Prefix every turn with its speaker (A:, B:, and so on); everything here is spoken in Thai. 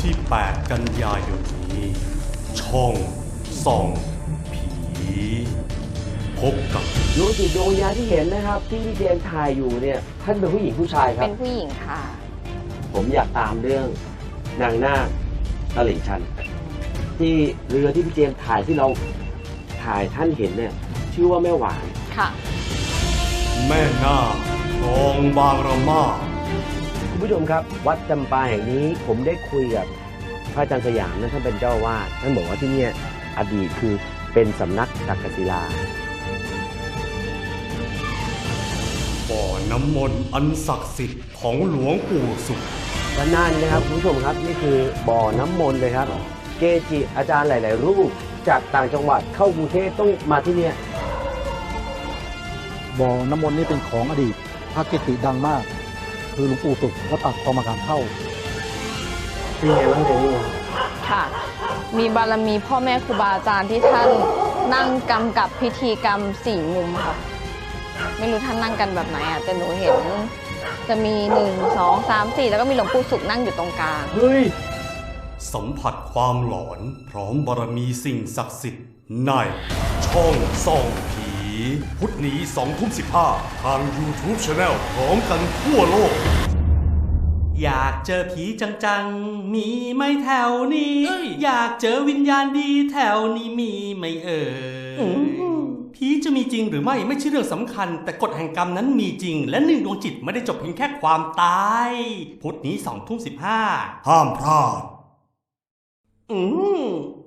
A: ที่ 8 กันยายนนี้ ช่องส่องผีพบกับ
B: ดวงจิตดวงวิญญาณที่เห็นนะครับที่พี่เจมส์ถ่ายอยู่เนี่ยท่านเป็นผู้หญิงผู้ชายครับ
C: เป็นผู้หญิงค่ะ
B: ผมอยากตามเรื่องนางนาคตลิ่งชันที่เรือที่พี่เจมส์ถ่ายที่เราถ่ายท่านเห็นเนี่ยชื่อว่าแม่หวาน
C: ค่ะ
A: แม่นาคคลองบางระมา
B: คุณผู้ชมครับวัดจำปาแห่งนี้ผมได้คุยกับพระอาจารย์สยามนั้นท่านเป็นเจ้าวาดท่านบอกว่าที่นี่อดีตคือเป็นสำนักตักกศิลา
A: บ่อน้ำมนต์อันศักดิ์สิทธิ์ของหลวงปู่สุข
B: ด้านหน้านี้นะครับคุณผู้ชมครับนี่คือบ่อน้ำมนต์เลยครับเกจิอาจารย์หลายๆรูปจากต่างจังหวัดเข้ากรุงเทพต้องมาที่นี่
D: บ่อน้ำมนต์นี่เป็นของอดีตพระเกจิดังมากคือหลวงปู่สุขวัดปากคลองมะขามเท่า
B: เป็นไงบ้างเนี่ย
C: ค่ะมีบารมีพ่อแม่ครูบาอาจารย์ที่ท่านนั่งกำกับพิธีกรรม4 มุมค่ะไม่รู้ท่านนั่งกันแบบไหนอ่ะแต่หนูเห็นจะมี1 2 3 4แล้วก็มีหลวงปู่สุขนั่งอยู่ตรงกลาง
B: เฮ้ย
A: สัมผัสความหลอนพร้อมบารมีสิ่งศักดิ์สิทธิ์ในช่องส่องผีพุธนี้ 20:15 ทาง YouTube Channel พร้อมกันทั่วโลกอยากเจอผีจังๆมีไหมแถวนี้อยากเจอวิญญาณดีแถวนี้มีไหมผีจะมีจริงหรือไม่ใช่เรื่องสำคัญแต่กฎแห่งกรรมนั้นมีจริงและหนึ่งดวงจิตไม่ได้จบเพียงแค่ความตายพุธนี้ 20:15 ห้ามพลาด